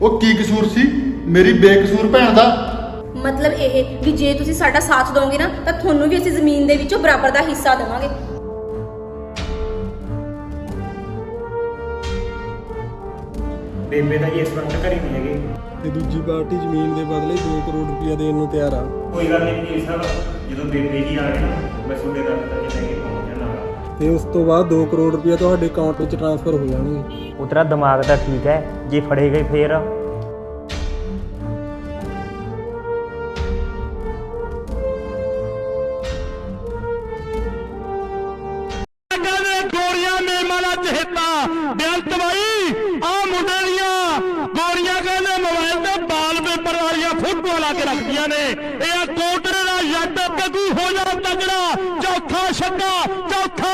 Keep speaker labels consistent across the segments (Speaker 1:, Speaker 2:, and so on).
Speaker 1: ਉਹ ਕੀ ਕਸੂਰ ਸੀ ਮੇਰੀ ਬੇਕਸੂਰ ਭੈਣ ਦਾ?
Speaker 2: ਮਤਲਬ ਇਹ ਵੀ ਜੇ ਤੁਸੀਂ ਸਾਡਾ ਸਾਥ ਦੋਗੇ ਨਾ ਤਾਂ ਤੁਹਾਨੂੰ ਵੀ ਅਸੀਂ ਜ਼ਮੀਨ ਦੇ ਵਿੱਚੋਂ ਬਰਾਬਰ ਦਾ ਹਿੱਸਾ ਦੇਵਾਂਗੇ।
Speaker 3: ਬੇਬੇ ਦਾ ਜੀ ਇਸ ਵਕਤ ਘਰੇ ਨਹੀਂ ਹੈਗੇ
Speaker 4: ਤੇ ਦੂਜੀ ਪਾਰਟੀ ਜ਼ਮੀਨ ਦੇ ਬਦਲੇ 2 ਕਰੋੜ ਰੁਪਇਆ ਦੇਣ ਨੂੰ ਤਿਆਰ ਆ।
Speaker 3: ਕੋਈ ਗੱਲ ਨਹੀਂ ਜੀ ਸਾਹਿਬ, ਜਦੋਂ ਬੇਬੇ ਜੀ ਆ ਗਏ ਨਾ ਮੈਂ ਤੁਹਾਡੇ ਦਫ਼ਤਰ 'ਚ ਲੈ ਕੇ ਪਹੁੰਚ ਜਾਣਾ।
Speaker 4: ਤੇ ਉਸ ਤੋਂ ਬਾਅਦ 2 ਕਰੋੜ ਰੁਪਇਆ ਤੁਹਾਡੇ ਅਕਾਊਂਟ ਵਿੱਚ ਟ੍ਰਾਂਸਫਰ ਹੋ ਜਾਣਗੇ।
Speaker 3: ਉਹ ਤੇਰਾ ਦਿਮਾਗ ਤਾਂ ਠੀਕ ਹੈ, ਜੇ ਫੜੇ ਗਏ ਫੇਰ
Speaker 5: ਗੋਰੀਆਂ ਮੇਮਾਨਾ ਚਹੇਤਾ ਬੇਅੰਤ ਬਾਈ ਆ ਮੁੰਡੇ ਦੀਆਂ ਗੋਰੀਆਂ ਕਹਿੰਦੇ ਮੋਬਾਈਲ ਤੇ ਵਾਲ ਪੇਪਰ ਵਾਲੀਆਂ ਫੋਟੋਆਂ ਲਾ ਕੇ ਰੱਖਦੀਆਂ ਨੇ। ਇਹ ਆ ਕੋਟਰੇ ਦਾ ਜੱਟ ਕੱਦੂ ਹੋ ਜਾ ਤਗੜਾ, ਚੌਥਾ ਛੱਡਾ ਚੌਥਾ।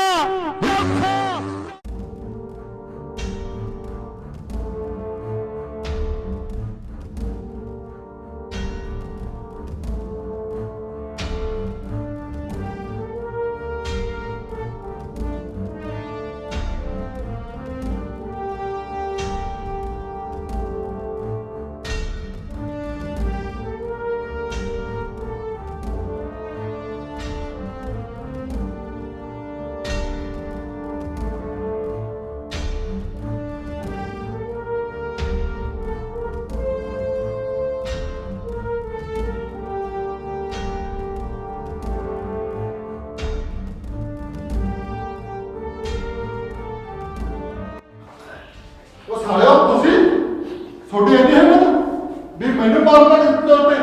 Speaker 1: ਉਹ ਸਾਲਿਓ ਤੁਸੀਂ ਛੋਟੀ ਇੰਨੀ ਹਿੰਮਤ ਵੀ ਮੈਨੂੰ ਮਾਰਨਾ ਕਿਸ ਤੌਰ ਤੇ?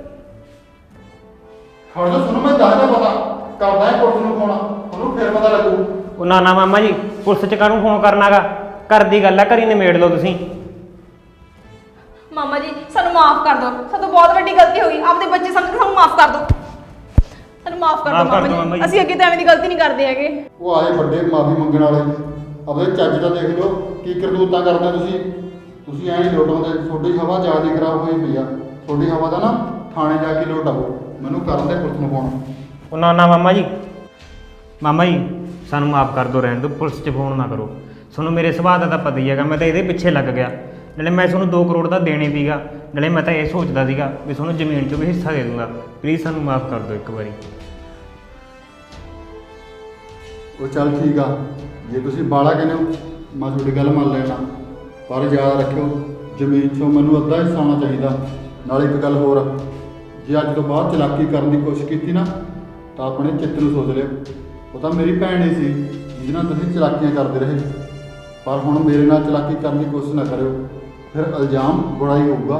Speaker 1: ਖੜ ਜਾ, ਸੁਣੋ ਮੈਂ ਦੱਸਦਾ ਪਤਾ ਕਰਦਾ ਹੈ ਪੁਲਿਸ ਨੂੰ ਫੋਨ, ਉਹਨੂੰ ਫਿਰ ਪਤਾ ਲੱਗੂ।
Speaker 3: ਉਹ ਨਾ ਮਾਮਾ ਜੀ, ਪੁਲਿਸ 'ਚ ਕਾਹਨੂੰ ਫੋਨ ਕਰਨਾਗਾ? ਘਰ ਦੀ ਗੱਲ ਆ, ਘਰੀ ਨਿਮੇੜ ਲਓ ਤੁਸੀਂ।
Speaker 2: ਮਾਮਾ ਜੀ ਸਾਨੂੰ ਮਾਫ ਕਰ ਦਿਓ, ਸਾਤੋਂ ਬਹੁਤ ਵੱਡੀ ਗਲਤੀ ਹੋ ਗਈ। ਆਪਦੇ ਬੱਚੇ ਸਮਝ ਕੇ ਸਾਨੂੰ ਮਾਫ ਕਰ ਦਿਓ, ਸਾਨੂੰ ਮਾਫ ਕਰ ਦਿਓ ਮਾਮਾ ਜੀ। ਅਸੀਂ ਅੱਗੇ ਤਾਂ ਐਵੇਂ ਦੀ ਗਲਤੀ ਨਹੀਂ ਕਰਦੇ ਹੈਗੇ।
Speaker 1: ਉਹ ਆਏ ਵੱਡੇ ਮਾਫੀ ਮੰਗਣ ਵਾਲੇ, ਆਪਣੇ ਚੱਜ ਦਾ ਦੇਖ ਲਓ ਕੀ ਕਰਤੂਤਾਂ ਕਰਦੇ ਤੁਸੀਂ ਐਂ ਨਹੀਂ ਲੋਟਾਉਂਦੇ। ਤੁਹਾਡੀ ਹਵਾ ਜ਼ਿਆਦਾ ਖਰਾਬ ਹੋਈ ਪਈ ਆ, ਤੁਹਾਡੀ ਹਵਾ ਦਾ ਨਾ ਥਾਣੇ ਜਾ ਕੇ ਲੋਟ ਆਓ। ਮੈਨੂੰ ਕਰਨ ਦੇ ਪੁਲਿਸ ਨੂੰ ਫੋਨ।
Speaker 3: ਉਹ ਨਾ ਮਾਮਾ ਜੀ ਸਾਨੂੰ ਮਾਫ ਕਰ ਦਿਓ, ਰਹਿਣ ਦਿਓ, ਪੁਲਿਸ 'ਚ ਫੋਨ ਨਾ ਕਰੋ। ਤੁਹਾਨੂੰ ਮੇਰੇ ਸੁਭਾਅ ਦਾ ਤਾਂ ਪਤਾ ਹੀ ਹੈਗਾ, ਮੈਂ ਤਾਂ ਇਹਦੇ ਪਿੱਛੇ ਲੱਗ ਗਿਆ। ਨਾਲੇ ਮੈਂ ਤੁਹਾਨੂੰ 2 ਕਰੋੜ ਦਾ ਦੇਣੇ ਸੀਗਾ, ਨਾਲੇ ਮੈਂ ਤਾਂ ਇਹ ਸੋਚਦਾ ਸੀਗਾ ਵੀ ਤੁਹਾਨੂੰ ਜ਼ਮੀਨ 'ਚੋਂ ਵੀ ਹਿੱਸਾ ਦੇ ਦੂੰਗਾ। ਪਲੀਜ਼ ਸਾਨੂੰ ਮਾਫ ਕਰ ਦਿਓ ਇੱਕ ਵਾਰੀ।
Speaker 1: ਉਹ ਚੱਲ ਠੀਕ ਆ, ਜੇ ਤੁਸੀਂ ਬਾਲਾ ਕਹਿੰਦੇ ਹੋ ਮੈਂ ਤੁਹਾਡੀ ਗੱਲ ਮੰਨ ਲੈਣਾ, ਪਰ ਯਾਦ ਰੱਖਿਓ ਜ਼ਮੀਨ 'ਚੋਂ ਮੈਨੂੰ ਅੱਧਾ ਹਿੱਸਾ ਆਉਣਾ ਚਾਹੀਦਾ। ਨਾਲੇ ਇੱਕ ਗੱਲ ਹੋਰ, ਜੇ ਅੱਜ ਤੋਂ ਬਾਅਦ ਚਲਾਕੀ ਕਰਨ ਦੀ ਕੋਸ਼ਿਸ਼ ਕੀਤੀ ਨਾ ਤਾਂ ਆਪਣੇ ਚਿੱਤ ਨੂੰ ਸੋਚ ਲਿਓ। ਉਹ ਤਾਂ ਮੇਰੀ ਭੈਣ ਹੀ ਸੀ ਜਿਹਦੇ ਨਾਲ ਤੁਸੀਂ ਚਲਾਕੀਆਂ ਕਰਦੇ ਰਹੇ, ਪਰ ਹੁਣ ਮੇਰੇ ਨਾਲ ਚਲਾਕੀ ਕਰਨ ਦੀ ਕੋਸ਼ਿਸ਼ ਨਾ ਕਰਿਓ, ਫਿਰ ਇਲਜ਼ਾਮ ਬੁਰਾ ਹੀ ਹੋਊਗਾ।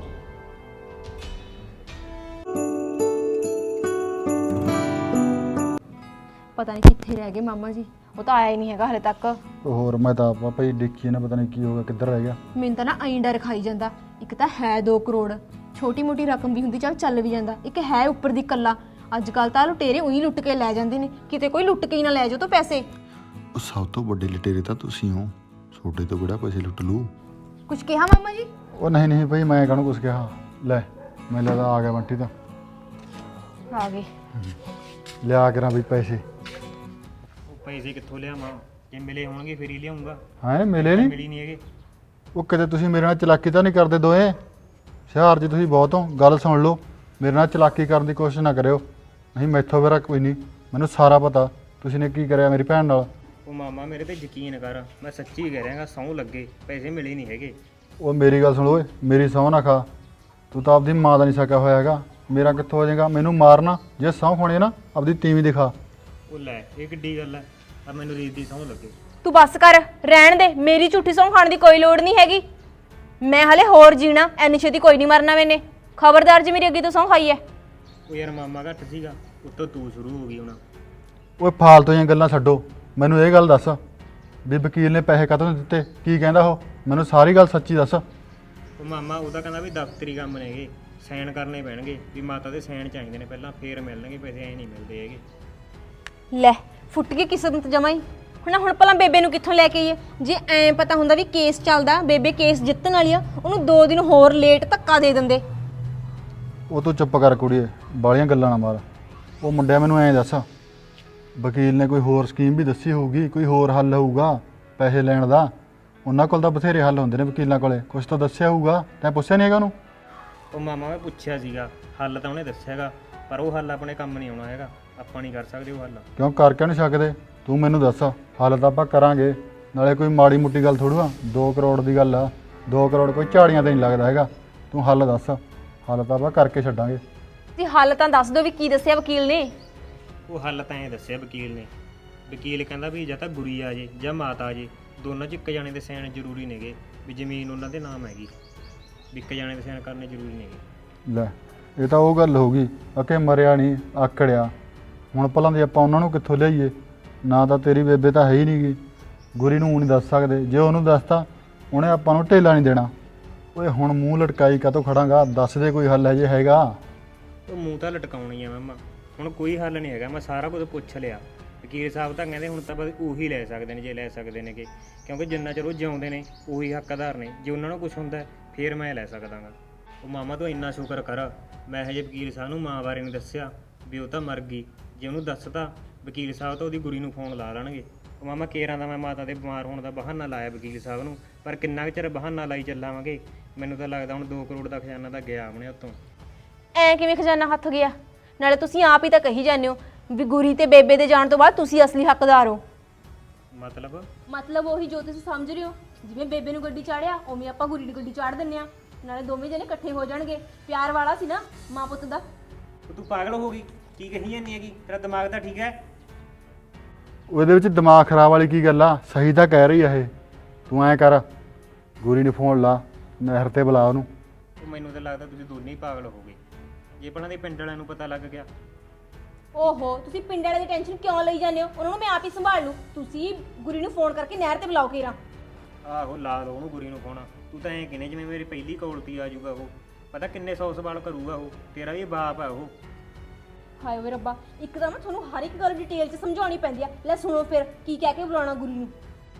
Speaker 2: ਪਤਾ ਨਹੀਂ ਕਿੱਥੇ ਰਹਿ ਗਏ ਮਾਮਾ ਜੀ, ਉਹ ਤਾਂ ਆਇਆ ਹੀ ਨਹੀਂ ਹੈਗਾ ਹਲੇ ਤੱਕ।
Speaker 1: ਹੋਰ ਮੈਂ ਤਾਂ ਪਾਪਾ ਜੀ ਦੇਖੀ ਨਾ, ਪਤਾ ਨਹੀਂ ਕੀ ਹੋ ਗਿਆ, ਕਿੱਧਰ ਰਹਿ ਗਿਆ।
Speaker 2: ਮੈਨੂੰ ਤਾਂ ਨਾ ਐਂ ਡਰ ਖਾਈ ਜਾਂਦਾ। ਇੱਕ ਤਾਂ ਹੈ 2 ਕਰੋੜ, ਛੋਟੀ ਮੋਟੀ ਰਕਮ ਵੀ ਹੁੰਦੀ ਚੱਲ ਵੀ ਜਾਂਦਾ। ਇੱਕ ਹੈ ਉੱਪਰ ਦੀ ਕੱਲਾ। ਅੱਜ ਕੱਲ ਤਾਂ ਲੁਟੇਰੇ ਉਹੀ ਲੁੱਟ ਕੇ ਲੈ ਜਾਂਦੇ ਨੇ, ਕਿਤੇ ਕੋਈ ਲੁੱਟ ਕੇ ਹੀ ਨਾ ਲੈ ਜਾਓ ਤਾਂ ਪੈਸੇ।
Speaker 6: ਉਹ ਸਭ ਤੋਂ ਵੱਡੇ ਲੁਟੇਰੇ ਤਾਂ ਤੁਸੀਂ ਹੋ, ਛੋਟੇ ਤੋਂ ਕਿਹੜਾ ਪੈਸੇ ਲੁੱਟ ਲੂ।
Speaker 2: ਕੁਝ ਕਿਹਾ ਮਾਮਾ ਜੀ?
Speaker 1: ਉਹ ਨਹੀਂ ਭਾਈ, ਮੈਂ ਕਾਹਨੂੰ ਕੁਛ ਕਿਹਾ। ਲੈ ਮੈਨੂੰ ਲੱਗਦਾ ਆ ਗਿਆ ਬੰਟੀ ਤਾਂ
Speaker 2: ਆ ਗਏ।
Speaker 1: ਲਿਆ ਕਰਾਂ ਵੀ ਪੈਸੇ।
Speaker 3: ਉਹ ਪੈਸੇ ਕਿੱਥੋਂ ਲਿਆਵਾਂ? ਜੇ ਮਿਲੇ ਹੋਣਗੇ ਫਿਰ ਹੀ ਲਿਆਉਂਗਾ।
Speaker 1: ਹਾਂ ਮਿਲੇ ਨਹੀਂ?
Speaker 3: ਮਿਲੀ ਨਹੀਂ ਹੈਗੇ।
Speaker 1: ਉਹ ਕਿਤੇ ਤੁਸੀਂ ਮੇਰੇ ਨਾਲ ਚਲਾਕੀ ਤਾਂ ਨਹੀਂ ਕਰਦੇ ਦੋਏ? ਸ਼ਹਿਰ 'ਚ ਤੁਸੀਂ ਬਹੁਤ ਹੋ, ਗੱਲ ਸੁਣ ਲਓ। ਮੇਰੇ ਨਾਲ ਚਲਾਕੀ ਕਰਨ ਦੀ ਕੋਸ਼ਿਸ਼ ਨਾ ਕਰਿਓ, ਨਹੀਂ ਮੈਥੋਂ ਮੇਰਾ ਕੋਈ ਨਹੀਂ, ਮੈਨੂੰ ਸਾਰਾ ਪਤਾ ਤੁਸੀਂ ਨੇ ਕੀ ਕਰਿਆ ਮੇਰੀ ਭੈਣ ਨਾਲ।
Speaker 3: ਉਹ ਮਾਮਾ ਮੇਰੇ ਤੇ ਯਕੀਨ ਕਰ, ਮੈਂ ਸੱਚੀ ਕਹਿ ਰਿਹਾਗਾ, ਸਹੁੰ ਲੱਗੇ ਪੈਸੇ ਮਿਲੇ ਨਹੀਂ ਹੈਗੇ।
Speaker 1: ਉਹ ਮੇਰੀ ਗੱਲ ਸੁਣ ਓਏ, ਮੇਰੀ ਸਹੁੰ ਨਾ ਖਾ। ਤੂੰ ਤਾਂ ਆਪਦੀ ਮਾਂ ਦਾ ਨਹੀਂ ਸਕਿਆ ਹੋਇਆ ਹੈਗਾ, ਮੇਰਾ ਕਿੱਥੋਂ ਹੋ ਜਾਏਗਾ? ਮੈਨੂੰ ਮਾਰਨਾ ਜੇ ਸਹੁੰ ਖਾਣੀ ਨਾ ਆਪਦੀ ਤੀਵੀਂ ਦਿਖਾ।
Speaker 3: ਉਹ ਲੈ, ਇਹ ਕਿੱਡੀ ਗੱਲ ਹੈ? ਆ ਮੈਨੂੰ ਰੀਤ ਦੀ ਸਹੁੰ ਲੱਗੇ।
Speaker 2: ਤੂੰ ਬੱਸ ਕਰ, ਰਹਿਣ ਦੇ। ਮੇਰੀ ਝੂਠੀ ਸਹੁੰ ਖਾਣ ਦੀ ਕੋਈ ਲੋੜ ਨਹੀਂ ਹੈਗੀ। ਮੈਂ ਹਲੇ ਹੋਰ ਜੀਣਾ, ਐਨੀ ਛੇਤੀ ਕੋਈ ਨਹੀਂ ਮਰਨਾ ਮੈਨੇ। ਖਬਰਦਾਰ ਜੀ ਮੇਰੀ ਅੱਗੇ ਤੋਂ ਸਹੁੰ ਖਾਈ ਐ।
Speaker 3: ਉਹ ਯਾਰ ਮਾਮਾ ਘੱਟ ਸੀਗਾ, ਉੱਤੋਂ ਤੂੰ ਸ਼ੁਰੂ ਹੋ ਗਈ ਹੁਣ।
Speaker 1: ਓਏ ਫਾਲਤੂ ਦੀਆਂ ਗੱਲਾਂ ਛੱਡੋ, ਮੈਨੂੰ ਇਹ ਗੱਲ ਦੱਸ ਵੀ ਵਕੀਲ ਨੇ ਪੈਸੇ ਕਦੋਂ ਦਿੱਤੇ? ਕੀ ਕਹਿੰਦਾ ਉਹ? ਮੈਨੂੰ ਸਾਰੀ ਗੱਲ ਸੱਚੀ ਦੱਸ।
Speaker 3: ਉਹ ਮਾਮਾ ਉਹਦਾ ਕਹਿੰਦਾ ਵੀ ਦਫ਼ਤਰੀ ਕੰਮ ਨੇਗੇ, ਸਾਈਨ ਕਰਨੇ ਪੈਣਗੇ, ਵੀ ਮਾਤਾ ਦੇ ਸਾਈਨ ਚਾਹੀਦੇ ਨੇ ਪਹਿਲਾਂ, ਫੇਰ ਮਿਲਣਗੇ ਪੈਸੇ। ਐ ਨਹੀਂ ਮਿਲਦੇ ਹੈਗੇ।
Speaker 2: ਲੈ ਫੁੱਟ ਗਈ ਕਿਸਮਤ ਜਮਾਂ ਹੀ। ਹੁਣ ਭਲਾ ਬੇਬੇ ਨੂੰ ਕਿੱਥੋਂ ਲੈ ਕੇ ਆਈਏ? ਜੇ ਐਂ ਪਤਾ ਹੁੰਦਾ ਵੀ ਕੇਸ ਚੱਲਦਾ, ਬੇਬੇ ਕੇਸ ਜਿੱਤਣ ਵਾਲੀ ਆ, ਉਹਨੂੰ 2 ਦਿਨ ਹੋਰ ਲੇਟ ਧੱਕਾ ਦੇ ਦਿੰਦੇ।
Speaker 1: ਉਹ ਤੂੰ ਚੁੱਪ ਕਰ ਕੁੜੀਏ, ਬਾਲੀਆਂ ਗੱਲਾਂ ਨਾ ਮਾਰ। ਉਹ ਮੁੰਡਿਆ ਮੈਨੂੰ ਐਂ ਦੱਸ, ਵਕੀਲ ਨੇ ਕੋਈ ਹੋਰ ਸਕੀਮ ਵੀ ਦੱਸੀ ਹੋਊਗੀ, ਕੋਈ ਹੋਰ ਹੱਲ ਹੋਊਗਾ ਪੈਸੇ ਲੈਣ ਦਾ? ਉਹਨਾਂ ਕੋਲ ਤਾਂ ਬਥੇਰੇ ਹੱਲ ਹੁੰਦੇ ਨੇ ਵਕੀਲਾਂ ਕੋਲੇ, ਕੁਛ ਤਾਂ ਦੱਸਿਆ ਹੋਊਗਾ, ਤੈਂ ਪੁੱਛਿਆ ਨਹੀਂ ਹੈਗਾ ਉਹਨੂੰ?
Speaker 3: ਉਹ ਮਾਮਾ ਮੈਂ ਪੁੱਛਿਆ ਸੀਗਾ, ਹੱਲ ਤਾਂ ਉਹਨੇ ਦੱਸਿਆਗਾ, ਪਰ ਉਹ ਹੱਲ ਆਪਣੇ ਕੰਮ ਨਹੀਂ ਆਉਣਾ ਹੈਗਾ, ਆਪਾਂ ਨਹੀਂ ਕਰ ਸਕਦੇ ਉਹ ਹੱਲ।
Speaker 1: ਕਿਉਂ ਕਰ ਕਿਉਂ ਨਹੀਂ ਸਕਦੇ? ਤੂੰ ਮੈਨੂੰ ਦੱਸ, ਹੱਲ ਤਾਂ ਆਪਾਂ ਕਰਾਂਗੇ, ਨਾਲੇ ਕੋਈ ਮਾੜੀ ਮੁੱਟੀ ਗੱਲ ਥੋੜ੍ਹਾ ਆ, 2 ਕਰੋੜ ਦੀ ਗੱਲ ਆ, 2 ਕਰੋੜ ਕੋਈ ਝਾੜੀਆਂ ਤੇ ਨਹੀਂ ਲੱਗਦਾ ਹੈਗਾ। ਤੂੰ ਹੱਲ ਦੱਸ, ਹੱਲ ਤਾਂ ਆਪਾਂ ਕਰਕੇ ਛੱਡਾਂਗੇ।
Speaker 2: ਤੇ ਹੱਲ ਤਾਂ ਦੱਸ ਦਿਓ ਵੀ ਕੀ ਦੱਸਿਆ ਵਕੀਲ ਨੇ।
Speaker 3: ਉਹ ਹੱਲ ਤਾਂ ਐਂ ਦੱਸਿਆ ਵਕੀਲ ਨੇ, ਵਕੀਲ ਕਹਿੰਦਾ ਵੀ ਜਾਂ ਤਾਂ ਗੁਰੀ ਆ ਜੇ ਜਾਂ ਮਾਤਾ ਆ ਜੇ, ਦੋਨਾਂ 'ਚ ਇੱਕ ਜਾਣੇ ਦੇ ਸਾਈਨ ਜ਼ਰੂਰੀ ਨੇਗੇ, ਵੀ ਜ਼ਮੀਨ ਉਹਨਾਂ ਦੇ ਨਾਮ ਹੈਗੀ, ਵੀ ਇੱਕ ਜਾਣੇ ਦੇ ਸਾਈਨ ਕਰਨੇ ਜ਼ਰੂਰੀ ਨੇਗੇ।
Speaker 1: ਲੈ ਇਹ ਤਾਂ ਉਹ ਗੱਲ ਹੋ ਗਈ, ਅਕੇ ਮਰਿਆ ਨਹੀਂ ਆਕੜਿਆ। ਹੁਣ ਭਲਾਂ ਦੇ ਆਪਾਂ ਉਹਨਾਂ ਨੂੰ ਕਿੱਥੋਂ ਲਿਆਈਏ? ਨਾ ਤਾਂ ਤੇਰੀ ਬੇਬੇ ਤਾਂ ਹੈ ਹੀ ਨਹੀਂਗੀ, ਗੁਰੀ ਨੂੰ ਨਹੀਂ ਦੱਸ ਸਕਦੇ, ਜੇ ਉਹਨੂੰ ਦੱਸਤਾ ਉਹਨੇ ਆਪਾਂ ਨੂੰ ਢੇਲਾ ਨਹੀਂ ਦੇਣਾ। ਓਏ ਹੁਣ ਮੂੰਹ ਲਟਕਾਈ ਕਾਹਤੋਂ ਖੜਾਂਗਾ, ਦੱਸ ਦੇ ਕੋਈ ਹੱਲ ਹੈ ਜੇ ਹੈਗਾ।
Speaker 3: ਉਹ ਮੂੰਹ ਤਾਂ ਲਟਕਾਉਣੀ ਆ ਮਾਮਾ, ਹੁਣ ਕੋਈ ਹੱਲ ਨਹੀਂ ਹੈਗਾ, ਮੈਂ ਸਾਰਾ ਕੁਝ ਪੁੱਛ ਲਿਆ। ਵਕੀਲ ਸਾਹਿਬ ਤਾਂ ਕਹਿੰਦੇ ਹੁਣ ਤਾਂ ਬਸ ਉਹੀ ਲੈ ਸਕਦੇ ਨੇ ਜੇ ਲੈ ਸਕਦੇ ਨੇਗੇ, ਕਿਉਂਕਿ ਜਿੰਨਾ ਚਿਰ ਉਹ ਜਿਉਂਦੇ ਨੇ ਉਹੀ ਹੱਕਦਾਰ ਨੇ, ਜੇ ਉਹਨਾਂ ਨੂੰ ਕੁਝ ਹੁੰਦਾ ਫਿਰ ਮੈਂ ਲੈ ਸਕਦਾਗਾ। ਉਹ ਮਾਮਾ ਤੂੰ ਇੰਨਾ ਸ਼ੁਕਰ ਕਰ, ਮੈਂ ਹਜੇ ਵਕੀਲ ਸਾਹਿਬ ਨੂੰ ਮਾਂ ਬਾਰੇ ਨਹੀਂ ਦੱਸਿਆ ਵੀ ਉਹ ਤਾਂ ਮਰ ਗਈ, ਜੇ ਉਹਨੂੰ ਦੱਸਤਾ ਵਕੀਲ ਸਾਹਿਬ ਤਾਂ ਉਹਦੀ ਗੁਰੀ ਨੂੰ ਫੋਨ ਲਾ ਲੈਣਗੇ। ਉਹ ਮਾਮਾ ਕੇਰਾਂ ਦਾ ਮੈਂ ਮਾਤਾ ਦੇ ਬਿਮਾਰ ਹੋਣ ਦਾ ਬਹਾਨਾ ਲਾਇਆ ਵਕੀਲ ਸਾਹਿਬ ਨੂੰ, ਪਰ ਕਿੰਨਾ ਕੁ ਚਿਰ ਬਹਾਨਾ ਲਾਈ ਚੱਲਾਂਗੇ? ਮੈਨੂੰ ਤਾਂ ਲੱਗਦਾ ਹੁਣ 2 ਕਰੋੜ ਦਾ ਖਜ਼ਾਨਾ ਤਾਂ ਗਿਆ ਆਪਣੇ ਹੱਥੋਂ।
Speaker 2: ਐ ਕਿਵੇਂ ਖਜ਼ਾਨਾ ਹੱਥ ਗਿਆ? ਨਾਲੇ ਤੁਸੀਂ ਆਪ ਹੀ ਤਾਂ ਕਹੀ ਜਾਂਦੇ ਹੋ ਵੀ ਗੁਰੀ ਤੇ ਬੇਬੇ ਦੇ ਜਾਣ ਤੋਂ ਬਾਅਦ ਤੁਸੀਂ ਅਸਲੀ ਹੱਕਦਾਰ ਹੋ। ਮਤਲਬ ਉਹੀ ਜੋ ਤੁਸੀਂ ਸਮਝ ਰਹੇ ਹੋ, ਜਿਵੇਂ ਬੇਬੇ ਨੂੰ ਗੱਡੀ ਚਾੜਿਆ ਉਵੇਂ ਆਪਾਂ ਗੁਰੀ ਦੀ ਗੱਡੀ ਚਾੜ ਦਿੰਨੇ ਆ, ਨਾਲੇ ਦੋਵੇਂ ਜਣੇ ਇਕੱਠੇ ਹੋ ਜਾਣਗੇ। ਪਿਆਰ ਵਾਲਾ ਸੀ ਨਾ ਮਾਂ ਪੁੱਤ ਦਾ।
Speaker 3: ਤੂੰ ਪਾਗਲ ਹੋ ਗਈ, ਕੀ ਕਹੀ ਜਾਂਦੀ ਹੈਗੀ? ਤੇਰਾ ਦਿਮਾਗ ਤਾਂ ਠੀਕ ਹੈ?
Speaker 1: ਉਹਦੇ ਵਿੱਚ ਦਿਮਾਗ ਖਰਾਬ ਵਾਲੀ ਕੀ ਗੱਲ ਆ? ਸਹੀ ਤਾਂ ਕਹਿ ਰਹੀ ਆ ਇਹ। ਤੂੰ ਐਂ ਕਰ, ਗੁਰੀ ਨੂੰ ਫੋਨ ਲਾ, ਨਹਿਰ ਤੇ ਬੁਲਾ ਉਹਨੂੰ।
Speaker 3: ਉਹ ਮੈਨੂੰ ਤਾਂ ਲੱਗਦਾ ਤੁਸੀਂ ਦੋਨੇ ਹੀ ਪਾਗਲ ਹੋ ਗਏ, ਜੇ ਪਹਿਲਾਂ ਦੇ ਪਿੰਡ ਵਾਲਿਆਂ ਨੂੰ ਪਤਾ ਲੱਗ ਗਿਆ।
Speaker 2: ਓਹੋ, ਤੁਸੀਂ ਪਿੰਡ ਵਾਲੇ ਦੀ ਟੈਨਸ਼ਨ ਕਿਉਂ ਲਈ ਜਾਂਦੇ ਹੋ? ਉਹਨਾਂ ਨੂੰ ਮੈਂ ਆਪ ਹੀ ਸੰਭਾਲ ਲੂ। ਤੁਸੀਂ ਗੁਰੀ ਨੂੰ ਫੋਨ ਕਰਕੇ ਨਹਿਰ ਤੇ ਬੁਲਾਓ ਕੇਰਾ।
Speaker 3: ਆਹੋ ਲਾ ਲਓ ਉਹਨੂੰ ਗੁਰੀ ਨੂੰ ਫੋਨ। ਤੂੰ ਤਾਂ ਐਂ ਕਹਿੰਦੇ ਜਿਵੇਂ ਮੇਰੀ ਪਹਿਲੀ ਕੌਲਤੀ ਆ ਜਾਊਗਾ ਉਹ, ਪਤਾ ਕਿੰਨੇ 100 ਸਵਾਲ ਕਰੂਗਾ ਉਹ, ਤੇਰਾ ਵੀ ਬਾਪ ਆ ਉਹ।
Speaker 2: ਹਾਏ ਓਏ ਰੱਬਾ, ਇੱਕ ਤਾਂ ਮੈਂ ਤੁਹਾਨੂੰ ਹਰ ਇੱਕ ਗੱਲ ਡਿਟੇਲ 'ਚ ਸਮਝਾਉਣੀ ਪੈਂਦੀ ਆ। ਲੈ ਸੁਣੋ ਫਿਰ ਕੀ ਕਹਿ ਕੇ ਬੁਲਾਉਣਾ ਗੁਰੀ ਨੂੰ।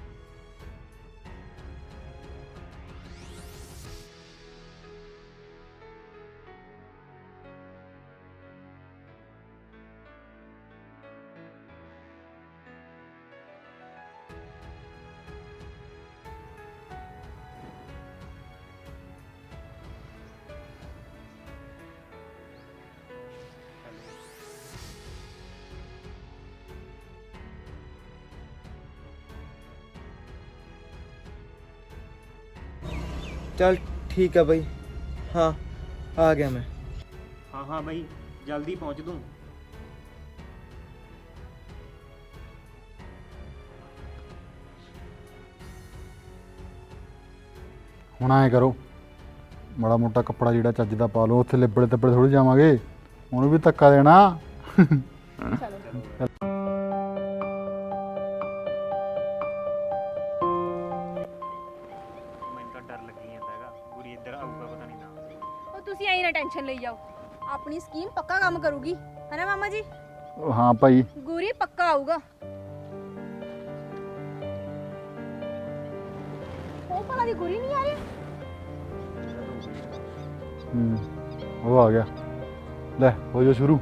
Speaker 7: चल ठीक है भाई, हाँ आ गया मैं।
Speaker 3: ਹਾਂ ਹਾਂ ਬਾਈ, ਜਲਦੀ ਪਹੁੰਚ ਦੂੰ।
Speaker 1: ਹੁਣ ਐਂ ਕਰੋ, ਮਾੜਾ ਮੋਟਾ ਕੱਪੜਾ ਜਿਹੜਾ ਚੱਜ ਦਾ ਪਾ ਲਓ, ਉੱਥੇ ਲਿਬੜੇ ਤਿੱਬੜੇ ਥੋੜੀ ਜਾਵਾਂਗੇ, ਉਹਨੂੰ ਵੀ ਧੱਕਾ ਦੇਣਾ।
Speaker 3: ਮੈਨੂੰ ਤਾਂ ਡਰ ਲੱਗੀ ਜਾਂਦਾ ਹੈਗਾ, ਗੁਰੀ ਇੱਧਰ ਆਊਗਾ ਪਤਾ ਨਹੀਂ ਨਾ।
Speaker 2: ਉਹ ਤੁਸੀਂ ਐਂ ਨਾ ਟੈਨਸ਼ਨ ਲਈ ਜਾਓ, ਆਪਣੀ ਸਕੀਮ ਪੱਕਾ ਕੰਮ ਕਰੂਗੀ, ਹੈ ਨਾ ਮਾਮਾ ਜੀ?
Speaker 1: ਹਾਂ ਭਾਈ,
Speaker 2: ਗੁਰੀ ਪੱਕਾ ਆਊਗਾ। ਉਹ ਭਲਾ ਦੀ ਗੁਰੀ ਨਹੀਂ ਆ ਰਹੀ?
Speaker 1: ਉਹ ਆ ਗਿਆ। ਲੈ ਹੋ ਜਾ ਸ਼ੁਰੂ।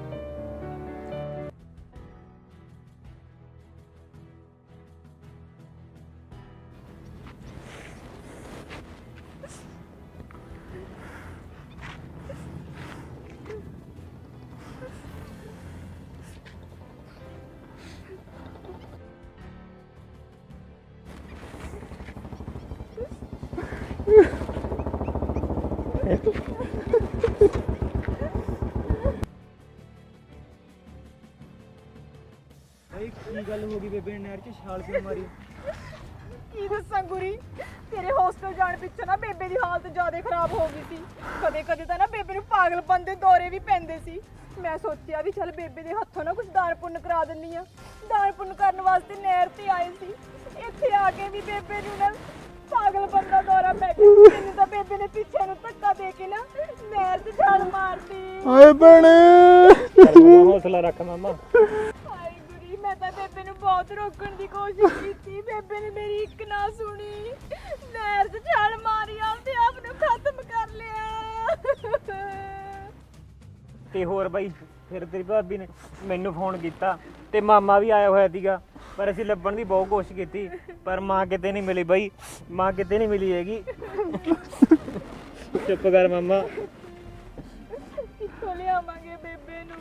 Speaker 7: भाई की गल हो गई बेबे ने नहर च छाल क्यों मारी?
Speaker 2: ਕੀ ਦੱਸਾਂ ਗੁਰੀ, ਤੇਰੇ ਹੋਸਟਲ ਜਾਣ ਪਿੱਛੋਂ ਨਾ ਬੇਬੇ ਦੀ ਹਾਲਤ ਜ਼ਿਆਦਾ ਖਰਾਬ ਹੋ ਗਈ ਸੀ। ਕਦੇ ਕਦੇ ਤਾਂ ਨਾ ਬੇਬੇ ਨੂੰ ਪਾਗਲਪਨ ਦੇ ਦੌਰੇ ਵੀ ਪੈਂਦੇ ਸੀ। ਮੈਂ ਸੋਚਿਆ ਵੀ ਚੱਲ ਬੇਬੇ ਦੇ ਹੱਥੋਂ ਨਾ ਕੁਝ ਦਾਨ ਪੁੰਨ ਕਰਾ ਦਿੰਨੀ ਆ। ਦਾਨ ਪੁੰਨ ਕਰਨ ਵਾਸਤੇ ਨਹਿਰ ਤੇ ਆਏ ਸੀ, ਇੱਥੇ ਆ ਕੇ ਵੀ ਬੇਬੇ ਨੂੰ ਨਾ ਪਾਗਲਪਨ ਦਾ ਦੌਰਾ ਪੈ ਗਿਆ। ਮੈਨੂੰ ਤਾਂ ਬੇਬੇ ਨੇ ਪਿੱਛੇ ਨੂੰ ਧੱਕਾ ਦੇ ਕੇ ਨਾ ਨਹਿਰ 'ਚ ਛਾਲ ਮਾਰਤੀ।
Speaker 1: ਓਏ ਭੈਣੇ,
Speaker 3: ਹੌਸਲਾ ਰੱਖ ਮਾਮਾ।
Speaker 2: ਹਾਏ ਗੁਰੀ, ਮੈਂ ਤਾਂ ਬੇਬੇ ਨੂੰ ਬਹੁਤ ਰੋਕਣ ਦੀ ਕੋਸ਼ਿਸ਼ ਕੀਤੀ, ਬੇਬੇ ਨੇ ਮੇਰੀ ਇੱਕ ਨਾ ਸੁਣੀ, ਨਹਿਰ 'ਚ ਛਾਲ ਮਾਰੀ, ਆਪਦੇ ਆਪ ਨੂੰ ਖਤਮ ਕਰ ਲਿਆ।
Speaker 3: ਤੇ ਹੋਰ ਬਾਈ, ਫਿਰ ਤੇਰੀ ਭਾਬੀ ਨੇ ਮੈਨੂੰ ਫੋਨ ਕੀਤਾ ਤੇ ਮਾਮਾ ਵੀ ਆਇਆ ਹੋਇਆ ਸੀਗਾ। ਪਰ ਅਸੀਂ ਲੱਭਣ ਦੀ ਬਹੁਤ ਕੋਸ਼ਿਸ਼ ਕੀਤੀ ਪਰ ਮਾਂ ਕਿਤੇ ਨਹੀਂ ਮਿਲੀ ਬਾਈ, ਮਾਂ ਕਿਤੇ ਨਹੀਂ ਮਿਲੀ ਹੈਗੀ। ਚੁੱਪ ਕਰ ਮਾਮਾ।
Speaker 2: ਕਿੱਥੋਂ ਲਿਆਵਾਂਗੇ ਬੇਬੇ ਨੂੰ?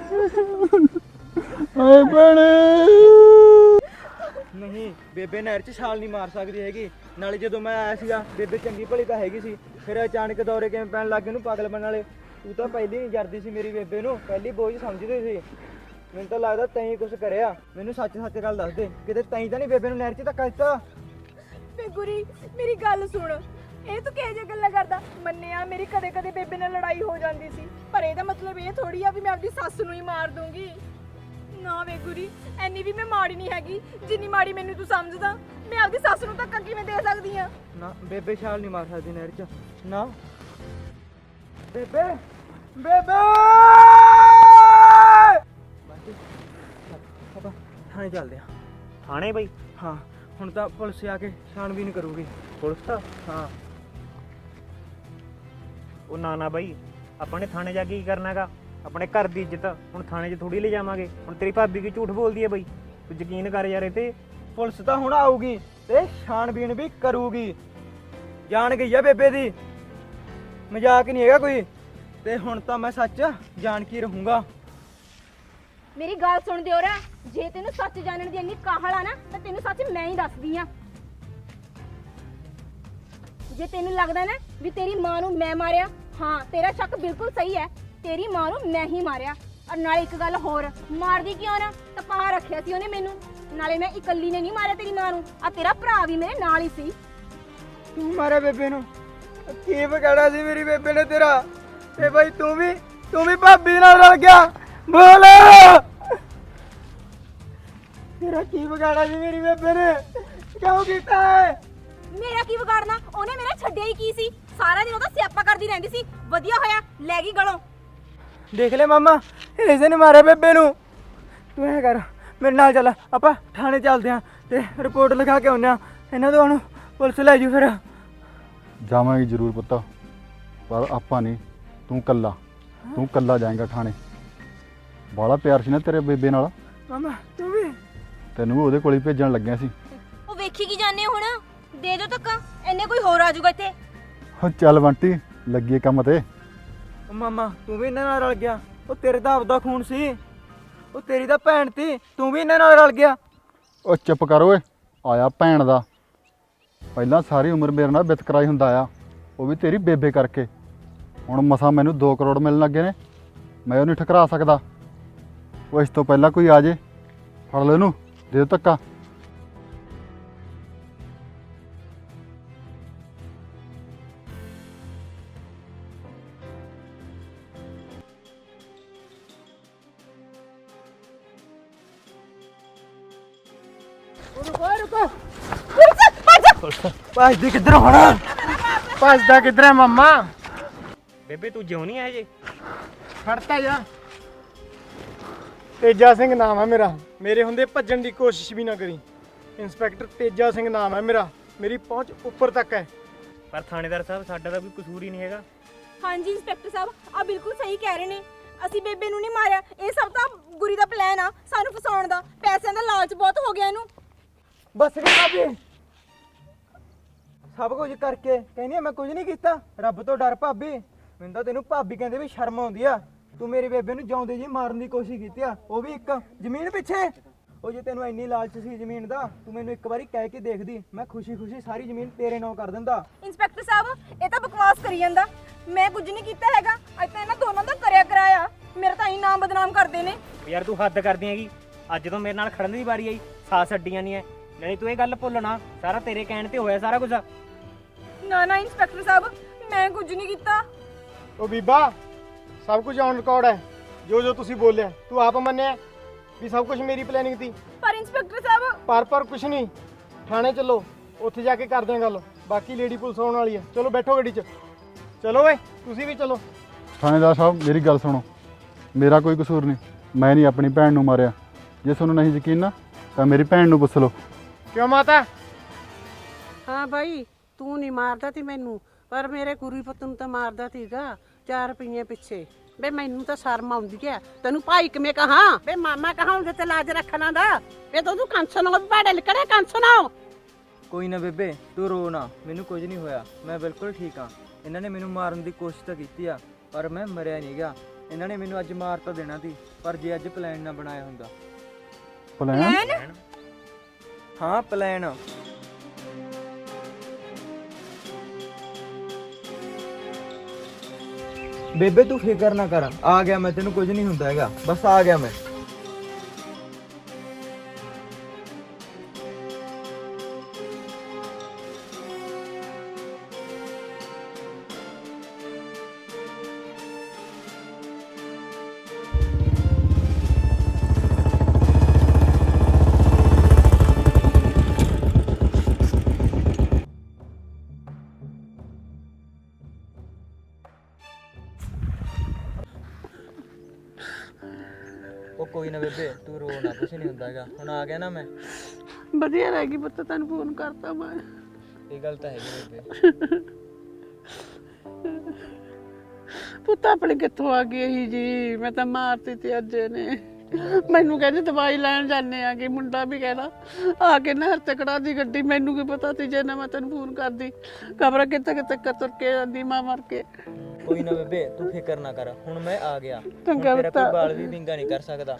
Speaker 1: ਓਏ ਭੈਣੇ
Speaker 7: ਨਹੀਂ ਬੇਬੇ ਨਹਿਰ 'ਚ ਛਾਲ ਨਹੀਂ ਮਾਰ ਸਕਦੀ ਹੈਗੀ। ਨਾਲੇ ਜਦੋਂ ਮੈਂ ਆਇਆ ਸੀਗਾ ਬੇਬੇ ਚੰਗੀ ਭਲੀ ਤਾਂ ਹੈਗੀ ਸੀ, ਫਿਰ ਅਚਾਨਕ ਦੌਰੇ ਕਿਵੇਂ ਪੈਣ ਲੱਗ ਗਏ ਉਹਨੂੰ ਪਾਗਲ ਬਣਨ ਵਾਲੇ। ਤੂੰ ਤਾਂ ਪਹਿਲੀ ਨਹੀਂ ਜਰਦੀ ਸੀ ਮੇਰੀ ਬੇਬੇ ਨੂੰ, ਪਹਿਲੀ ਬੋਝ ਸਮਝਦੀ ਸੀ। ਮੈਨੂੰ ਤਾਂ ਲੱਗਦਾ ਤੈਂ ਕੁਝ ਕਰਿਆ। ਮੈਨੂੰ ਸੱਚ ਸੱਚ ਗੱਲ ਦੱਸ ਦੇ, ਕਿਤੇ ਤੈਂ ਤਾਂ ਨਹੀਂ ਬੇਬੇ ਨੂੰ ਨਹਿਰ 'ਚ ਧੱਕਾ ਦਿੱਤਾ?
Speaker 2: ਵੇ ਗੁਰੀ ਮੇਰੀ ਗੱਲ ਸੁਣ, ਇਹ ਤੂੰ ਕਿਹੋ ਜਿਹੀਆਂ ਗੱਲਾਂ ਕਰਦਾ? ਮੰਨਿਆ ਮੇਰੀ ਕਦੇ ਕਦੇ ਬੇਬੇ ਨਾਲ ਲੜਾਈ ਹੋ ਜਾਂਦੀ ਸੀ, ਪਰ ਇਹਦਾ ਮਤਲਬ ਇਹ ਥੋੜੀ ਆ ਵੀ ਮੈਂ ਆਪਦੀ ਸੱਸ ਨੂੰ ਹੀ ਮਾਰ ਦੂੰਗੀ। ਨਾ ਵੇ ਗੁਰੀ, ਐਨੀ ਵੀ ਮੈਂ ਮਾੜੀ ਨਹੀਂ ਹੈਗੀ ਜਿੰਨੀ ਮਾੜੀ ਮੈਨੂੰ ਤੂੰ ਸਮਝਦਾ। ਮੈਂ ਆਪਦੀ ਸੱਸ ਨੂੰ ਧੱਕਾ ਕਿਵੇਂ ਦੇ ਸਕਦੀ ਆ?
Speaker 7: ਨਾ ਬੇਬੇ ਛਾਲ ਨਹੀਂ ਮਾਰ ਸਕਦੀ ਨਹਿਰ 'ਚ। ਨਾ ਬੇਬੇ ਬੇਬੇ ਆਪਾਂ ਥਾਣੇ ਚੱਲਦੇ ਆ।
Speaker 3: ਥਾਣੇ ਬਾਈ?
Speaker 7: ਹਾਂ ਹੁਣ ਤਾਂ ਪੁਲਿਸ ਆ ਕੇ ਛਾਣਬੀਨ ਕਰੂਗੀ।
Speaker 3: ਪੁਲਿਸ ਤਾਂ?
Speaker 7: ਹਾਂ
Speaker 3: ਉਹ ਨਾ ਬਾਈ, ਆਪਾਂ ਨੇ ਥਾਣੇ ਜਾ ਕੇ ਕੀ ਕਰਨਾਗਾ? ਆਪਣੇ ਘਰ ਦੀ ਇੱਜ਼ਤ ਹੁਣ ਥਾਣੇ 'ਚ ਥੋੜੀ ਲੈ ਜਾਵਾਂਗੇ। ਹੁਣ ਤੇਰੀ ਭਾਬੀ ਕੀ ਝੂਠ ਬੋਲਦੀ ਹੈ ਬਾਈ, ਤੂੰ ਯਕੀਨ ਕਰ ਯਾਰ ਇਹ ਤੇ।
Speaker 7: ਪੁਲਿਸ ਤਾਂ ਹੁਣ ਆਊਗੀ ਤੇ ਛਾਣਬੀਨ ਵੀ ਕਰੂਗੀ। ਜਾਣ ਗਈ ਆ ਬੇਬੇ ਦੀ, ਮਜ਼ਾਕ ਨਹੀਂ ਹੈਗਾ ਕੋਈ। ਤੇ ਹੁਣ ਤਾਂ ਮੈਂ ਸੱਚ ਜਾਣ ਕੇ ਰਹੂੰਗਾ।
Speaker 8: ਮੇਰੀ ਗੱਲ ਸੁਣ ਦਿਓਰਾ, ਜੇ ਤੈਨੂੰ ਸੱਚ ਜਾਣਨ ਦੀ ਇੰਨੀ ਕਾਹਲ ਆ ਨਾ ਤਾਂ ਤੈਨੂੰ ਸੱਚ ਮੈਂ ਹੀ ਦੱਸਦੀ ਆ। ਜੇ ਤੈਨੂੰ ਲੱਗਦਾ ਨਾ ਵੀ ਤੇਰੀ ਮਾਂ ਨੂੰ ਮੈਂ ਮਾਰਿਆ, ਹਾਂ ਤੇਰਾ ਸ਼ੱਕ ਬਿਲਕੁਲ ਸਹੀ ਹੈ, ਤੇਰੀ ਮਾਂ ਨੂੰ ਮੈਂ ਹੀ ਮਾਰਿਆ। ਔਰ ਨਾਲੇ ਇੱਕ ਗੱਲ ਹੋਰ, ਮਾਰਦੀ ਕਿਉਂ ਨਾ, ਤਪਾ ਰੱਖਿਆ ਸੀ ਉਹਨੇ ਮੈਨੂੰ। ਨਾਲੇ ਮੈਂ ਇਕੱਲੀ ਨੇ ਨਹੀਂ ਮਾਰਿਆ ਤੇਰੀ ਮਾਂ ਨੂੰ, ਆ ਤੇਰਾ ਭਰਾ ਵੀ ਮੇਰੇ ਨਾਲ ਹੀ ਸੀ।
Speaker 7: ਤੂੰ ਮਾਰਿਆ ਬੇਬੇ ਨੂੰ? ਕੀ ਵਿਗਾੜਿਆ ਸੀ ਮੇਰੀ ਬੇਬੇ ਨੇ ਤੇਰਾ? ਤੇ ਬਾਈ ਤੂੰ ਵੀ ਭਾਬੀ ਨਾਲ ਰਲ ਗਿਆ? ਬੋਲ, ਤੇਰਾ ਕੀ ਵਿਗਾੜਿਆ ਸੀ ਮੇਰੀ ਬੇਬੇ ਨੇ? ਕਿਉਂ ਕੀਤਾ ਹੈ?
Speaker 8: ਮੇਰਾ ਕੀ ਵਿਗਾੜਨਾ, ਉਹਨੇ ਮੇਰਾ ਛੱਡਿਆ ਹੀ ਕੀ ਸੀ? ਸਾਰਾ ਦਿਨ ਉਹਦਾ ਸਿਆਪਾ ਕਰਦੀ ਰਹਿੰਦੀ ਸੀ, ਵਧੀਆ ਹੋਇਆ ਲੈ ਗਈ ਗਲੋਂ।
Speaker 7: ਦੇਖ ਲੈ ਮਾਮਾ, ਇਸੇ ਨੇ ਮਾਰਿਆ ਬੇਬੇ ਨੂੰ। ਤੂੰ ਐ ਕਰ, ਮੇਰੇ ਨਾਲ ਚੱਲ, ਆਪਾਂ ਥਾਣੇ ਚੱਲਦੇ ਆਂ ਤੇ ਰਿਪੋਰਟ ਲਿਖਾ ਕੇ ਆਉਂਦੇ ਆਂ। ਇਹਨਾਂ ਤੋਂ ਹੁਣ ਪੁਲਿਸ ਲੈ ਜੂ। ਫਿਰ
Speaker 1: ਜਾਵਾਂਗੇ ਜ਼ਰੂਰ ਪੁੱਤ, ਪਰ ਆਪਾਂ ਨਹੀਂ, ਤੂੰ ਕੱਲਾ ਜਾਏਂਗਾ ਥਾਣੇ। ਬਾਲਾ ਪਿਆਰ ਸੀ ਨਾ ਤੇਰੇ ਬੇਬੇ ਨਾਲ,
Speaker 7: ਮਾਮਾ ਤੂੰ ਵੀ
Speaker 1: ਤੈਨੂੰ ਵੀ ਉਹਦੇ ਕੋਲ ਹੀ ਭੇਜਣ ਲੱਗਿਆ ਸੀ।
Speaker 8: ਉਹ ਵੇਖੀ ਕੀ ਜਾਣੇ ਹੁਣ, ਦੇ ਦਿਓ ਧੱਕਾ, ਇੰਨੇ ਕੋਈ ਹੋਰ ਆ ਜਾਊਗਾ ਇੱਥੇ।
Speaker 1: ਹੋ ਚੱਲ ਬੰਟੀ, ਲੱਗੀਏ ਕੰਮ ਤੇ।
Speaker 7: ਉਹ ਮਾਮਾ ਤੂੰ ਵੀ ਇਹਨਾਂ ਨਾਲ ਰਲ ਗਿਆ? ਉਹ ਤੇਰੇ ਦਾ ਆਪਦਾ ਖੂਨ ਸੀ, ਉਹ ਤੇਰੀ ਤਾਂ ਭੈਣ ਸੀ, ਤੂੰ ਵੀ ਇਹਨਾਂ ਨਾਲ ਰਲ ਗਿਆ?
Speaker 1: ਉਹ ਚੁੱਪ ਕਰ ਓਏ, ਆਇਆ ਭੈਣ ਦਾ। ਪਹਿਲਾਂ ਸਾਰੀ ਉਮਰ ਮੇਰੇ ਨਾਲ ਵਿਤਕਰਾਈ ਹੁੰਦਾ ਆ, ਉਹ ਵੀ ਤੇਰੀ ਬੇਬੇ ਕਰਕੇ। ਹੁਣ ਮਸਾਂ ਮੈਨੂੰ 2 ਕਰੋੜ ਮਿਲਣ ਲੱਗੇ ਨੇ, ਮੈਂ ਉਹ ਨਹੀਂ ਠਕਰਾ ਸਕਦਾ। ਉਹ ਇਸ ਤੋਂ ਪਹਿਲਾਂ ਕੋਈ ਆ ਜੇ, ਫੜ ਲੈ ਇਹਨੂੰ, ਦੇ ਦਿਓ ਧੱਕਾ।
Speaker 7: ਭੱਜਦੀ ਕਿੱਧਰ ਹੋਣਾ? ਭੱਜਦਾ ਕਿੱਧਰ ਹੈ ਮਾਮਾ?
Speaker 3: ਬੇਬੇ ਤੂੰ ਜਿਉਂ ਨਹੀਂ ਹੈ ਜੇ?
Speaker 7: ਫੜਤਾ ਜਾ। ਤੇਜਾ ਸਿੰਘ ਨਾਮ ਹੈ ਮੇਰਾ, ਮੇਰੇ ਹੁੰਦੇ ਭੱਜਣ ਦੀ ਕੋਸ਼ਿਸ਼ ਵੀ ਨਾ ਕਰੀ। ਇੰਸਪੈਕਟਰ ਤੇਜਾ ਸਿੰਘ ਨਾਮ ਹੈ ਮੇਰਾ, ਮੇਰੀ ਪਹੁੰਚ ਉੱਪਰ ਤੱਕ ਹੈ।
Speaker 3: ਪਰ ਥਾਣੇਦਾਰ ਸਾਹਿਬ ਸਾਡਾ ਤਾਂ ਕੋਈ ਕਸੂਰ ਹੀ ਨਹੀਂ ਹੈਗਾ।
Speaker 8: ਹਾਂਜੀ ਇੰਸਪੈਕਟਰ ਸਾਹਿਬ, ਆ ਬਿਲਕੁਲ ਸਹੀ ਕਹਿ ਰਹੇ ਨੇ, ਅਸੀਂ ਬੇਬੇ ਨੂੰ ਨਹੀਂ ਮਾਰਿਆ। ਇਹ ਸਭ ਤਾਂ ਗੁਰੀ ਦਾ ਪਲਾਨ ਆ ਸਾਨੂੰ ਫਸਾਉਣ ਦਾ। ਪੈਸਿਆਂ ਦਾ ਲਾਲਚ ਬਹੁਤ ਹੋ ਗਿਆ ਇਹਨੂੰ।
Speaker 7: ਬਸ ਕਰ ਭਾਬੀ, ਸਭ ਕੁਝ ਕਰਕੇ ਕਹਿੰਦੀ ਆ ਮੈਂ ਕੁਝ ਨਹੀਂ ਕੀਤਾ। ਰੱਬ ਤੋਂ ਡਰ ਭਾਬੀ, ਮੈਨੂੰ ਤਾਂ ਤੈਨੂੰ ਭਾਬੀ ਕਹਿੰਦੇ ਵੀ ਸ਼ਰਮ ਆਉਂਦੀ ਆ। ਤੂੰ ਮੇਰੇ ਬੇਬੇ ਨੂੰ ਜਿਉਂਦੇ ਜੀ ਮਾਰਨ ਦੀ ਕੋਸ਼ਿਸ਼ ਕੀਤੀ ਆ, ਉਹ ਵੀ ਇੱਕ ਜ਼ਮੀਨ ਪਿੱਛੇ। ਉਹ ਜੇ ਤੈਨੂੰ ਇੰਨੀ ਲਾਲਚ ਸੀ ਜ਼ਮੀਨ ਦਾ, ਤੂੰ ਮੈਨੂੰ ਇੱਕ ਵਾਰੀ ਕਹਿ ਕੇ ਦੇਖਦੀ, ਮੈਂ ਖੁਸ਼ੀ-ਖੁਸ਼ੀ ਸਾਰੀ ਜ਼ਮੀਨ ਤੇਰੇ ਨਾਂ ਕਰ ਦਿੰਦਾ।
Speaker 8: ਇੰਸਪੈਕਟਰ ਸਾਹਿਬ ਇਹ ਤਾਂ ਬਕਵਾਸ ਕਰੀ ਜਾਂਦਾ, ਮੈਂ ਕੁਝ ਨਹੀਂ ਕੀਤਾ ਹੈਗਾ। ਅੱਜ ਤਾਂ ਇਹਨਾਂ ਦੋਨਾਂ ਦਾ ਕਰਿਆ ਕਰਾਇਆ, ਮੇਰਾ ਤਾਂ ਹੀ ਨਾਮ ਬਦਨਾਮ ਕਰਦੇ ਨੇ।
Speaker 3: ਯਾਰ ਤੂੰ ਹੱਦ ਕਰਦੀ ਹੈਗੀ, ਅੱਜ ਤੋਂ ਮੇਰੇ ਨਾਲ ਖੜਨ ਦੀ ਵਾਰੀ ਆਈ, ਸਾਥ ਛੱਡੀਆਂ ਨਹੀਂ ਐ। ਨਹੀਂ ਤੂੰ ਇਹ ਗੱਲ ਭੁੱਲਣਾ, ਸਾਰਾ ਤੇਰੇ ਕਹਿਣ ਤੇ ਹੋਇਆ ਸਾਰਾ ਕੁਝ।
Speaker 2: ਨਾ ਨਾ ਇੰਸਪੈਕਟਰ ਸਾਹਿਬ, ਮੈਂ ਕੁਝ ਨਹੀਂ ਕੀਤਾ।
Speaker 9: ਉਹ ਬੀਬਾ, ਸਭ ਕੁਝ ਔਨ ਰਿਕਾਰਡ ਹੈ। ਜੋ ਤੁਸੀਂ ਬੋਲਿਆ ਤੂੰ ਆਪ ਮੰਨਿਆ ਵੀ ਸਭ ਕੁਝ ਮੇਰੀ ਪਲੈਨਿੰਗ ਸੀ।
Speaker 2: ਪਰ ਇੰਸਪੈਕਟਰ ਸਾਹਿਬ
Speaker 9: ਪਰ ਕੁਝ ਨਹੀਂ, ਥਾਣੇ ਚੱਲੋ, ਉੱਥੇ ਜਾ ਕੇ ਕਰਦੇ ਹਾਂ ਗੱਲ। ਬਾਕੀ ਲੇਡੀ ਪੁਲਿਸ ਆਉਣ ਵਾਲੀ ਹੈ। ਚਲੋ ਬੈਠੋ ਗੱਡੀ 'ਚ, ਚਲੋ ਓਏ ਤੁਸੀਂ ਵੀ ਚਲੋ।
Speaker 1: ਥਾਣੇਦਾਰ ਸਾਹਿਬ ਮੇਰੀ ਗੱਲ ਸੁਣੋ, ਮੇਰਾ ਕੋਈ ਕਸੂਰ ਨਹੀਂ, ਮੈਂ ਨਹੀਂ ਆਪਣੀ ਭੈਣ ਨੂੰ ਮਾਰਿਆ। ਜੇ ਤੁਹਾਨੂੰ ਨਹੀਂ ਯਕੀਨ ਨਾ ਤਾਂ ਮੇਰੀ ਭੈਣ ਨੂੰ ਪੁੱਛ ਲਓ।
Speaker 9: ਕਿਉਂ ਮਾਤਾ?
Speaker 10: ਹਾਂ ਬਾਈ, ਤੂੰ ਨਹੀਂ ਮਾਰਦਾ ਤੀ ਮੈਨੂੰ, ਪਰ ਮੇਰੇ ਗੁਰੀ ਪੁੱਤ ਨੂੰ ਤਾਂ ਮਾਰਦਾ ਤੀਗਾ 4 ਰੁਪਈਏ ਪਿੱਛੇ। ਬੇ ਮੈਨੂੰ ਤਾਂ ਸ਼ਰਮ ਆਉਂਦੀ ਐ ਤੈਨੂੰ ਭਾਈ ਕਿਵੇਂ ਕਹਾਂ ਬੇ ਮਾਮਾ ਕਹਾਂ ਉਹਦੇ ਤੇ ਲਾਜ ਰੱਖਣਾ ਦਾ ਬੇ ਤੂੰ ਕੰਸਨ ਹੋ ਬਾੜੇ ਲਿਕੜੇ ਕੰਸਨ ਹੋ।
Speaker 7: ਕੋਈ ਨਾ ਬੇਬੇ ਤੂੰ ਰੋ ਨਾ, ਮੈਨੂੰ ਕੁਝ ਨਹੀਂ ਹੋਇਆ, ਮੈਂ ਬਿਲਕੁਲ ਠੀਕ ਹਾਂ। ਇਹਨਾਂ ਨੇ ਮੈਨੂੰ ਮਾਰਨ ਦੀ ਕੋਸ਼ਿਸ਼ ਤਾਂ ਕੀਤੀ ਆ ਪਰ ਮੈਂ ਮਰਿਆ ਨਹੀਂ ਗਿਆ। ਇਹਨਾਂ ਨੇ ਮੈਨੂੰ ਅੱਜ ਮਾਰ ਤਾਂ ਦੇਣਾ ਸੀ ਪਰ ਜੇ ਅੱਜ ਪਲਾਨ ਨਾ ਬਣਾਇਆ ਹੁੰਦਾ।
Speaker 1: ਪਲਾਨ?
Speaker 7: ਹਾਂ ਪਲਾਨ। ਬੇਬੇ ਤੂੰ ਫਿਕਰ ਨਾ ਕਰ, ਆ ਗਿਆ ਮੈਂ, ਤੈਨੂੰ ਕੁਝ ਨਹੀਂ ਹੁੰਦਾ ਹੈਗਾ, ਬਸ ਆ ਗਿਆ ਮੈਂ। ਉਹ ਕੋਈ ਨਾ ਬੇਬੇ ਤੂੰ ਰੋ ਨਾ, ਕੁਛ ਨਹੀਂ ਹੁੰਦਾ ਹੈਗਾ, ਹੁਣ ਆ ਗਿਆ ਨਾ ਮੈਂ।
Speaker 10: ਵਧੀਆ ਰਹਿ ਗਈ ਪੁੱਤ ਤੈਨੂੰ ਫੋਨ ਕਰਤਾ ਮੈਂ।
Speaker 7: ਇਹ ਗੱਲ ਤਾਂ ਹੈਗੀ ਬੇਬੇ।
Speaker 10: ਪੁੱਤ ਆਪਣੀ ਕਿੱਥੋਂ ਆ ਗਈ ਇਹੀ ਜੀ, ਮੈਂ ਤਾਂ ਮਾਰਤੀ ਤੇ ਅੱਜ ਨੇ ਮੈਨੂੰ ਕਹਿੰਦੇ ਦਵਾਈ ਲੈਣ ਜਾਂਦੇ ਆ ਕਿ ਮੁੰਡਾ ਵੀ ਕਹਿੰਦਾ ਆ ਕੇ ਨਹਿਰ ਤੇ ਕੜਾ ਦੀ ਗੱਡੀ। ਮੈਨੂੰ ਕੀ ਪਤਾ ਸੀ ਜੇ ਨਾ ਮੈਂ ਤੈਨੂੰ ਫੋਨ ਕਰਦੀ, ਖਬਰ ਕਿੱਥੇ ਕਿੱਥੇ ਤੁਰ ਕੇ ਜਾਂਦੀ ਮਾਂ ਮਰ ਕੇ।
Speaker 7: ਕੋਈ ਨਾ ਬੇਬੇ ਤੂੰ ਫਿਕਰ ਨਾ ਕਰ, ਹੁਣ ਮੈਂ ਆ ਗਿਆ, ਹੁਣ
Speaker 10: ਚੰਗਾ
Speaker 7: ਤੇਰਾ
Speaker 10: ਪੁੱਤ।
Speaker 7: ਕੋਈ ਬਾਲ ਵੀ ਵਿੰਗਾ ਨਹੀਂ ਕਰ ਸਕਦਾ।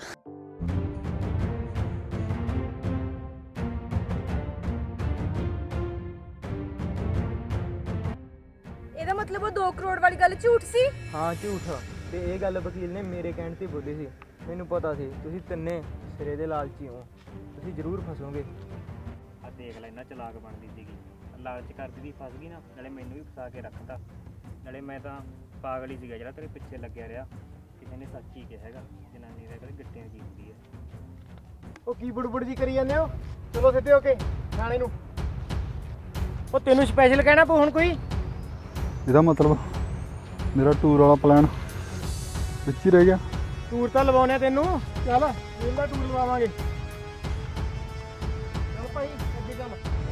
Speaker 2: ਇਹਦਾ ਮਤਲਬ ਉਹ 2 ਕਰੋੜ ਵਾਲੀ ਗੱਲ ਝੂਠ ਸੀ?
Speaker 7: ਹਾਂ ਝੂਠ, ਤੇ ਇਹ ਗੱਲ ਵਕੀਲ ਨੇ ਮੇਰੇ ਕਹਿਣ ਤੇ ਬੋਲੀ ਸੀ। ਮੈਨੂੰ ਪਤਾ ਸੀ ਤੁਸੀਂ ਤਿੰਨੇ ਸਿਰੇ ਦੇ ਲਾਲਚੀ ਹੋ, ਤੁਸੀਂ ਜ਼ਰੂਰ ਫਸੋਗੇ।
Speaker 3: ਆ ਦੇਖ ਲੈ, ਇਹਨਾਂ ਚਲਾਕ ਬਣਦੀ ਸੀਗੀ, ਲਾਲਚ ਕਰਦੀ ਦੀ ਫਸ ਗਈ ਨਾ, ਨਾਲੇ ਮੈਨੂੰ ਵੀ ਫਸਾ ਕੇ ਰੱਖਤਾ। ਨਾਲੇ ਮੈਂ ਤਾਂ ਪਾਗਲ ਹੀ ਸੀਗਾ ਜਿਹੜਾ ਤੇਰੇ ਪਿੱਛੇ ਲੱਗਿਆ ਰਿਹਾ। ਕਿਸੇ ਨੇ ਸੱਚ ਹੀ ਕਿਹਾ ਹੈਗਾ, ਜਨਾਨੀ ਦਾ ਕਦੇ ਗਿੱਟਿਆਂ ਦੀ ਹੁੰਦੀ ਹੈ।
Speaker 9: ਉਹ ਕੀ ਬੁੜਬੁੜ ਜੀ ਕਰੀ ਜਾਂਦੇ ਹੋ? ਚਲੋ ਸਿੱਧੇ ਹੋ ਕੇ ਥਾਣੇ ਨੂੰ। ਉਹ ਤੈਨੂੰ ਸਪੈਸ਼ਲ ਕਹਿਣਾ ਪਊ ਹੁਣ ਕੋਈ?
Speaker 1: ਇਹਦਾ ਮਤਲਬ ਮੇਰਾ ਟੂਰ ਵਾਲਾ ਪਲਾਨ ਵਿੱਚ ਹੀ ਰਹਿ ਗਿਆ।
Speaker 9: ਟੂਰ ਤਾਂ ਲਵਾਉਣੇ ਤੈਨੂੰ, ਚੱਲ ਇਹਦਾ ਟੂਰ ਲਵਾਵਾਂਗੇ। ਚੱਲ ਭਾਈ ਅੱਗੇ ਚੱਲ।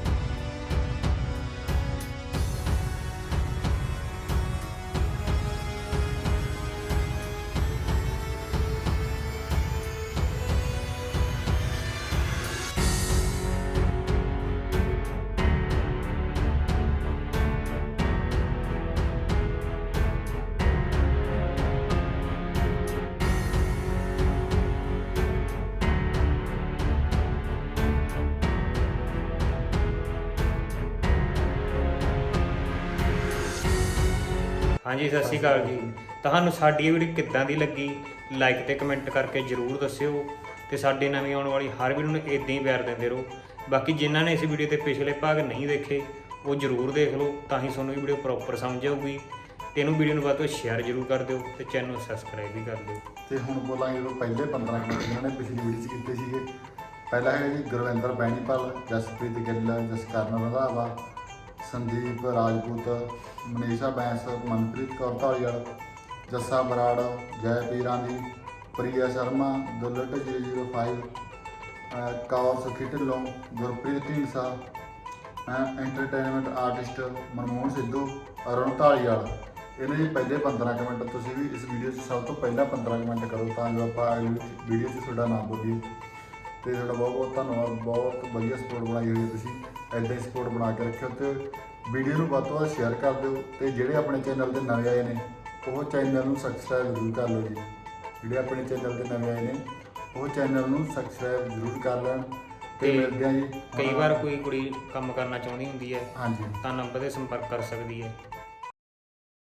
Speaker 3: ਹਾਂਜੀ ਸਤਿ ਸ਼੍ਰੀ ਅਕਾਲ ਜੀ। ਤੁਹਾਨੂੰ ਸਾਡੀ ਇਹ ਵੀਡੀਓ ਕਿੱਦਾਂ ਦੀ ਲੱਗੀ, ਲਾਈਕ ਤੇ ਕਮੈਂਟ ਕਰਕੇ ਜਰੂਰ ਦੱਸਿਓ ਤੇ ਸਾਡੇ ਨਵੀਂ ਆਉਣ ਵਾਲੀ ਹਰ ਵੀਡੀਓ ਨੂੰ ਇਦਾਂ ਹੀ ਪਿਆਰ ਦਿੰਦੇ ਰਹੋ। ਬਾਕੀ ਜਿਨ੍ਹਾਂ ਨੇ ਇਸ ਵੀਡੀਓ ਦੇ ਪਿਛਲੇ ਭਾਗ ਨਹੀਂ ਦੇਖੇ ਉਹ ਜਰੂਰ ਦੇਖ ਲਓ, ਤਾਂ ਹੀ ਤੁਹਾਨੂੰ ਇਹ ਵੀਡੀਓ ਪ੍ਰੋਪਰ ਸਮਝ ਆਊਗੀ। ਤੇ ਇਹਨੂੰ ਵੀਡੀਓ ਨੂੰ ਵੱਧ ਤੋਂ ਸ਼ੇਅਰ ਜਰੂਰ ਕਰ ਦਿਓ ਤੇ ਚੈਨਲ ਨੂੰ ਸਬਸਕ੍ਰਾਈਬ ਵੀ ਕਰ ਦਿਓ।
Speaker 1: ਤੇ ਹੁਣ ਬੋਲਾਂਗੇ ਉਹ ਪਹਿਲੇ 15 ਮਿੰਟ ਜਿਹਨਾਂ ਨੇ ਪਿਛਲੀ ਵੀਡੀਓ 'ਚ ਕੀਤੇ ਸੀਗੇ। ਪਹਿਲਾ ਹੈ ਜੀ ਗੁਰਵਿੰਦਰ ਬੈਣੀਪਾਲ, ਜਸਪ੍ਰੀਤ ਗਿੱਲ, ਜਸਕਰਨ ਰੰਧਾਵਾ, ਸੰਦੀਪ ਰਾਜਪੂਤ, ਮਨੀਸ਼ਾ ਬੈਂਸ, ਮਨਪ੍ਰੀਤ ਕੌਰ ਢਾਲੀਵਾਲ, ਜੱਸਾ ਬਰਾੜ, ਜੈ ਪੀਰਾਂਦੀ, ਪ੍ਰਿਆ ਸ਼ਰਮਾ, ਦੁਲਟ 005, ਕੌਰ ਸੁਖੀ ਢਿੱਲੋਂ, ਗੁਰਪ੍ਰੀਤ ਢੀਂਡਸਾ, ਐਂਟਰਟੇਨਮੈਂਟ ਆਰਟਿਸਟ ਮਨਮੋਹਨ ਸਿੱਧੂ, ਅਰੁਣ ਢਾਲੀਵਾਲ। ਇਹਨਾਂ ਦੀ ਪਹਿਲੇ 15 ਕਮੈਂਟ ਤੁਸੀਂ ਵੀ ਇਸ ਵੀਡੀਓ 'ਚ ਸਭ ਤੋਂ ਪਹਿਲਾਂ 15 ਕਮੈਂਟ ਕਰੋ ਤਾਂ ਜੋ ਆਪਾਂ ਅਗਲੀ ਵੀਡੀਓ 'ਚ ਤੁਹਾਡਾ ਨਾਮ ਬੋਲੀਏ। ਤੇ ਤੁਹਾਡਾ ਬਹੁਤ ਬਹੁਤ ਧੰਨਵਾਦ, ਬਹੁਤ ਵਧੀਆ ਸਪੋਰਟ ਬਣਾਈ ਹੋਈ ਹੈ ਤੁਸੀਂ, ਇੱਦਾਂ ਹੀ ਸਪੋਰਟ ਬਣਾ ਕੇ ਰੱਖਿਓ ਤੇ ਵੀਡੀਓ ਨੂੰ ਵੱਧ ਤੋਂ ਵੱਧ ਸ਼ੇਅਰ ਕਰ ਦਿਓ। ਤੇ ਜਿਹੜੇ ਆਪਣੇ ਚੈਨਲ ਦੇ ਨਵੇਂ ਆਏ ਨੇ ਉਹ ਚੈਨਲ ਨੂੰ ਸਬਸਕ੍ਰਾਈਬ ਜ਼ਰੂਰ ਕਰ ਲਓ ਜੀ। ਜਿਹੜੇ ਆਪਣੇ ਚੈਨਲ ਦੇ ਨਵੇਂ ਆਏ ਨੇ ਉਹ ਚੈਨਲ ਨੂੰ ਸਬਸਕ੍ਰਾਈਬ ਜ਼ਰੂਰ ਕਰ ਲੈਣ। ਤੇ ਮਿਲਦੇ ਆ ਜੀ।
Speaker 3: ਕਈ ਵਾਰ ਕੋਈ ਕੁੜੀ ਕੰਮ ਕਰਨਾ ਚਾਹੁੰਦੀ ਹੁੰਦੀ ਹੈ
Speaker 1: ਹਾਂਜੀ
Speaker 3: ਤਾਂ ਨੰਬਰ 'ਤੇ ਸੰਪਰਕ ਕਰ ਸਕਦੀ ਹੈ।